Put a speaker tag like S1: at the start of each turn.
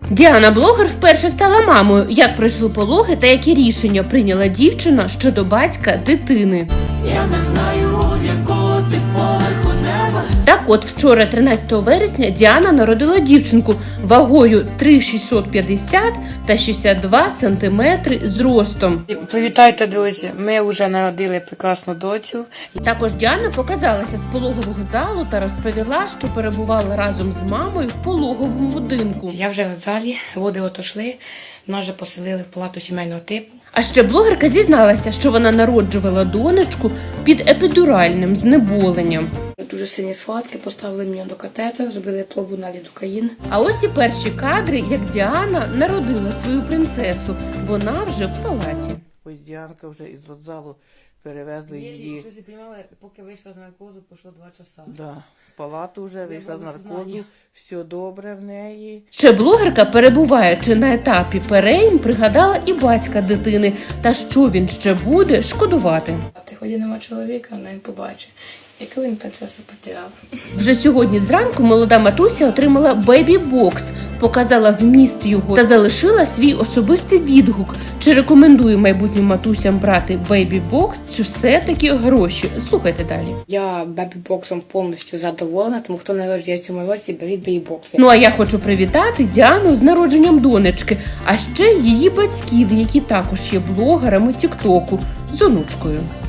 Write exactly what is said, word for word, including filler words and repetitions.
S1: Діана Блогер вперше стала мамою. Як пройшли пологи та які рішення прийняла дівчина щодо батька дитини.
S2: Я не знаю, з якого ти поверху неба.
S1: Так от, вчора, тринадцятого вересня, Діана народила дівчинку вагою три тисячі шістсот п'ятдесят та шістдесят два сантиметри зростом.
S3: Привітайте, друзі! Ми вже народили прекрасну доцю.
S1: Також Діана показалася з пологового залу та розповіла, що перебувала разом з мамою в пологовому будинку.
S3: Я вже в залі, води отошли, нас вже поселили в палату сімейного типу.
S1: А ще блогерка зізналася, що вона народжувала донечку під епідуральним знеболенням.
S3: Дуже сильні схватки, поставили мене до катету, зробили пробу на лідокаїн.
S1: А ось і перші кадри, як Діана народила свою принцесу. Вона вже в палаті.
S4: Ось Діанка вже із родзалу перевезли її.
S3: Щось приймали, поки вийшла з наркозу, пройшло два часа.
S4: Да, в палату вже вийшла з наркозу, все добре в неї.
S1: Ще блогерка, перебуваючи на етапі перейм, пригадала і батька дитини, та що він ще буде шкодувати.
S3: А ти ході нема чоловіка, але він побачить. Яку він принцесу потеряв.
S1: Вже сьогодні зранку молода матуся отримала бейбі-бокс, показала вміст його та залишила свій особистий відгук. Чи рекомендує майбутнім матусям брати бейбі-бокс, чи все-таки гроші? Слухайте далі.
S3: Я бебі-боксом повністю задоволена, тому хто народжує в цьому році, беріть бебі-бокси.
S1: Ну а я хочу привітати Діану з народженням донечки, а ще її батьків, які також є блогерами тіктоку, з онучкою.